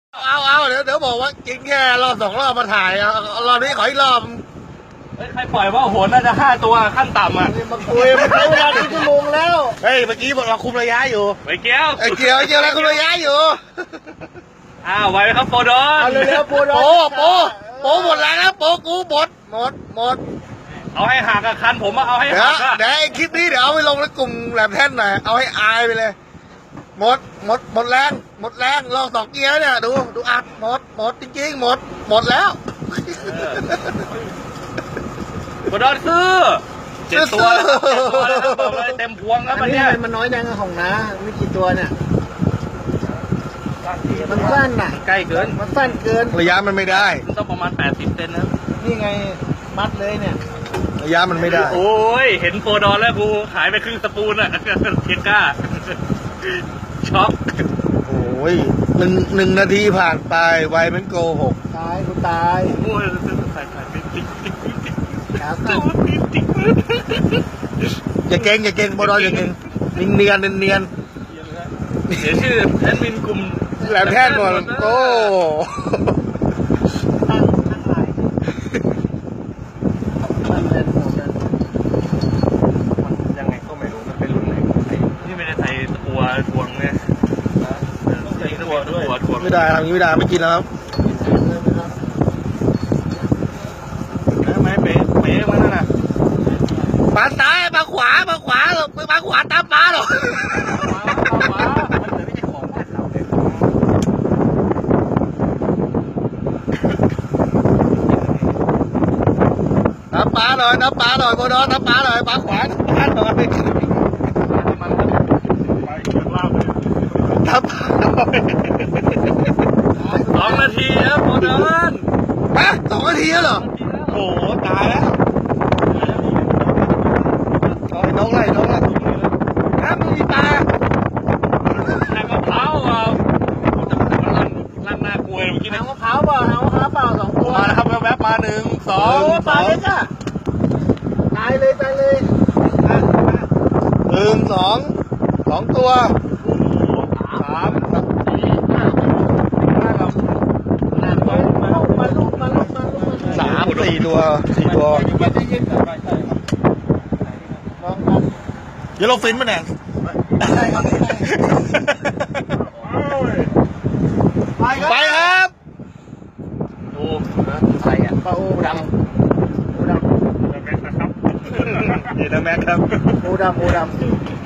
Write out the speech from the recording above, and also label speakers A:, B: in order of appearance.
A: เอาเดี๋ยวบอกว่ากินแค่รอบ2 รอบมาถ่ายรอบนี้ขออีกรอบ
B: ใครปล่อยว่าโหนน่าจะ5 ตัวขั้นต่ำอ่ะ
A: มาคุยมันใช้เวลา1 ชั่วโมงแล้วเฮ้ยเมื่อกี้บอกเราคุมระยะอยู่
B: ไปเกี้ยว
A: เกี่ยวแล้วคุมระยะอยู่
B: ไว้ครับโปรดอน
A: เอาเร็วโปรดอนโปหมดแล้วนะโปกูหมด
B: เอาให้หักกับคันผมเอาให้หัก
A: เดี๋ยวคลิปนี้เดี๋ยวเอาไปลงในกลุ่มแหลมแท่นหน่อยเอาให้อายไปเลยหมดแรงลอง2 เกียร์เนี่ยดูอัดหมดจริงๆหมดแล้ว
B: โปรดอนซื้อ7 ตัวบอกเลยเต็มพวงครับ
A: อันนี้มันน้อยยังของนะไม่กี่ตัวเนี่ยมันสั้นน่ะ
B: ใกล้เกิน
A: มันสั้นเกินระยะมันไม่ได้
B: มันต้องประมาณ80 เซนนะ
A: นี่ไงมัดเลยเนี่ยระยะมันไม่ได้
B: โอ้ยเห็นโปรดอนแล้วกูหายไปครึ่งสปูนอ่ะเทียก้าช็อก
A: โอ้ยหนึ่งนาทีผ่านไปไวมันโกหกตายกูตาย
B: โอ้ยใส่ติ๊ก
A: อย่าเก่งโปรดอนอย่าเก่งเนียน
B: เดี๋ยวชื่อแอดมินกลุ่ม
A: แหลมแท่นหมดโอ้
B: ยังไงก็ไม่รู้มันเป็นรุ่นไหนที่ไม่ได้ใส่ตัวทวงเนี่ยต้องใส่ตัวด้วยทวง
A: ไม่ได้ทำนี้ไม่ได้ไม่กินแล้วครับ
B: ไม่เป๊ะมันน่ะ
A: ปลาซ้ายปลาขวาหรอกปลาขวาตามปลาหรอกน้ำปลาหน่อยโบดอนน้ำปลาหน่อยปลาขวาน้ำปลาหน่อยน้ำปลาหน่อย
B: 2 นาทีครับโบดอน
A: 2 นาทีแล้วเหรอโอ้โหตายแล้วน้องไรมันมีปลา
B: น้ำมะพร้าวลั่นหน้ากลวยเมื่อกี้
A: น้ำมะพร้าวเปล่า2 ตัว
B: มาแล้วครับแวบๆมา1 2
A: ปลาเล็กอะตายเลย1 2 ตัว
B: 3 4
A: 4 ตัวเยลโลฟินป่ะเนี่ยไปครับ
B: ดูใส่
A: ปลาโอดำ
B: แม็กนะครับนี่นะแม็กครับ
A: โอดำ